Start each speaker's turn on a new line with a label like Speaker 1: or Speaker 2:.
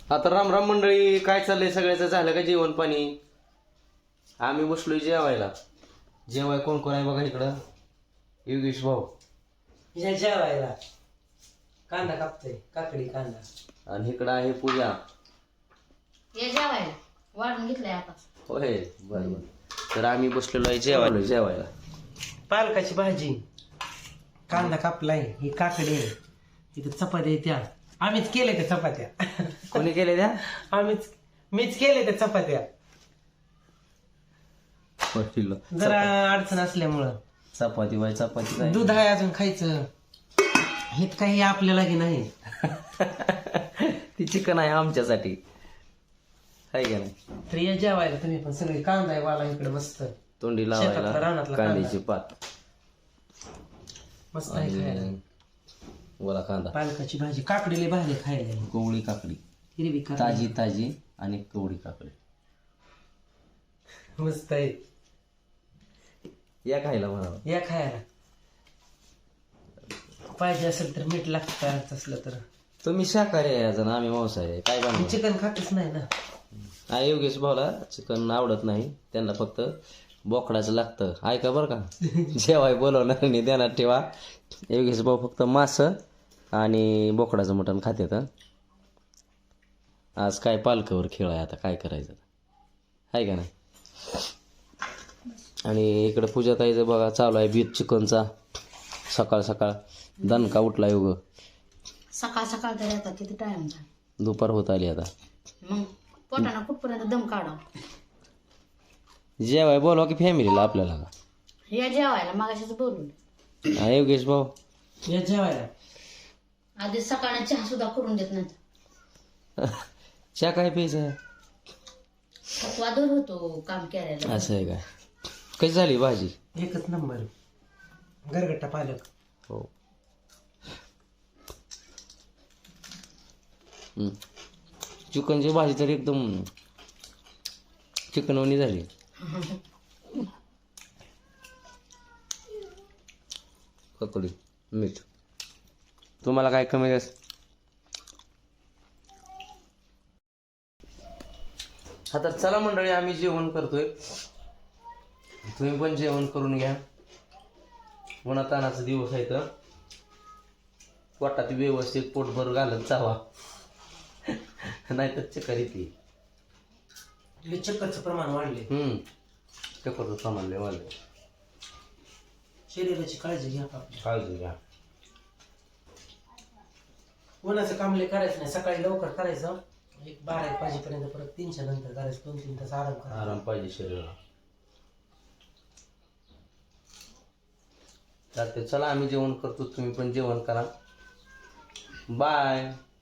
Speaker 1: आता राम राम मंडळी, काय चाललंय सगळ्याचं? झालं का जेवण पाणी? आम्ही बसलोय जेवायला. जेवाय कोण कोण आहे बघा इकडं. योगेश भाऊ
Speaker 2: या जेवायला कांदा कापतोय, काकडी कांदा.
Speaker 1: आणि इकडं आहे पूजा.
Speaker 3: ये जेवायला वाढून घेतलंय आता.
Speaker 1: होय, बरं बरं. तर आम्ही बसलेलो आहे जेवायला.
Speaker 2: पालकाची भाजी, कांदा कापलाय, ही काकडी आहे, इथं चपात्या आहे त्या. आम्हीच केले त्या चपात्या.
Speaker 1: कोणी केले त्या?
Speaker 2: मीच केले त्या चपात्या. जरा अडचण असल्यामुळं
Speaker 1: चपाती बाय चपाती काय
Speaker 2: दूध आहे अजून खायचं, हे काही आपल्याला की नाही.
Speaker 1: ती चिकन आहे आमच्यासाठी, आहे का नाही?
Speaker 2: तर या जेवायला तुम्ही पण. सगळे कांदा आहे वाला इकडे मस्त,
Speaker 1: तोंडी
Speaker 2: शेतातला,
Speaker 1: लावायला
Speaker 2: रानातला
Speaker 1: कांद्याची पात
Speaker 2: मस्त आहे खायला.
Speaker 1: आणि वला कांदा,
Speaker 2: पालकाची भाजी, काकडीला भाजी खायला,
Speaker 1: कोवळी काकडी,
Speaker 2: हिरवी काकडी
Speaker 1: ताजी ताजी आणि कोवळी काकडी
Speaker 2: मस्त आहे.
Speaker 1: या खायला म्हणावं.
Speaker 2: या खायला पाहिजे असेल तर मीठ लागतं असलं तर.
Speaker 1: तुम्ही शाकाहारी आहे अजून, आम्ही मांसाहारी आहे. काय बनवू?
Speaker 2: चिकन खातच नाही ना.
Speaker 1: आहे योगेश भाऊला चिकन आवडत नाही, त्यांना फक्त बोकडाचं लागतं. ऐका बरं का, जेवाय बोलवणार नाही, ध्यानात ठेवा. योगेश भाऊ फक्त मांस आणि बोकडाचं मटण खात्यात. आज काय पालकावर खेळ आहे, आता काय करायचं, आहे का नाही? आणि इकडं पूजाताईचं बघा चालू आहे बीत चिकनचा. सकाळ सकाळ दणका उठला योग.
Speaker 3: सकाळ सकाळ तरी आता किती टाइम झाला,
Speaker 1: दुपार होत आली आता.
Speaker 3: मग पोटाना कुठपर्यंत दम काढाव.
Speaker 1: जेवाय बोलवा की फॅमिलीला आपल्याला का?
Speaker 3: या जेवायला मागाशीच बोलून.
Speaker 1: हा योगेश भाऊ,
Speaker 2: या जेवायला.
Speaker 3: आधी सकाळी चहा सुद्धा करून देत नाही.
Speaker 1: चहा काय प्यायचं?
Speaker 3: वादळ होतो काम केल्याला.
Speaker 1: असं आहे काय? कशी झाली भाजी?
Speaker 2: एकच नंबर, गरगट्टा पालक.
Speaker 1: हो. चिकनची भाजी तर एकदम चिकनवणी झाली. ककडी मीठ. तुम्हाला काय कमी जास्त? हा तर चला मंडळी, आम्ही जेवण करतोय, तुम्ही पण जेवण करून घ्या. उन्हातानाचा दिवस आहे तर पोटात व्यवस्थित पोटभर घालत जावा, नाहीतर चक्कर येते.
Speaker 2: हे चक्करचं प्रमाण वाढले.
Speaker 1: चक्करचं प्रमाण लय वाढलंय.
Speaker 2: शरीराची काळजी घ्या आपली.
Speaker 1: काळजी घ्या.
Speaker 2: उन्हाचं काम लय करायचं नाही, सकाळी लवकर करायचं, एक 12-1 वाजेपर्यंत, परत 3च्या नंतर करायचं, 2-3 तास आराम करायचा.
Speaker 1: आराम पाहिजे शरीराला. चालते, चला आम्ही जेवण करतो, तुम्ही पण जेवण करा. बाय.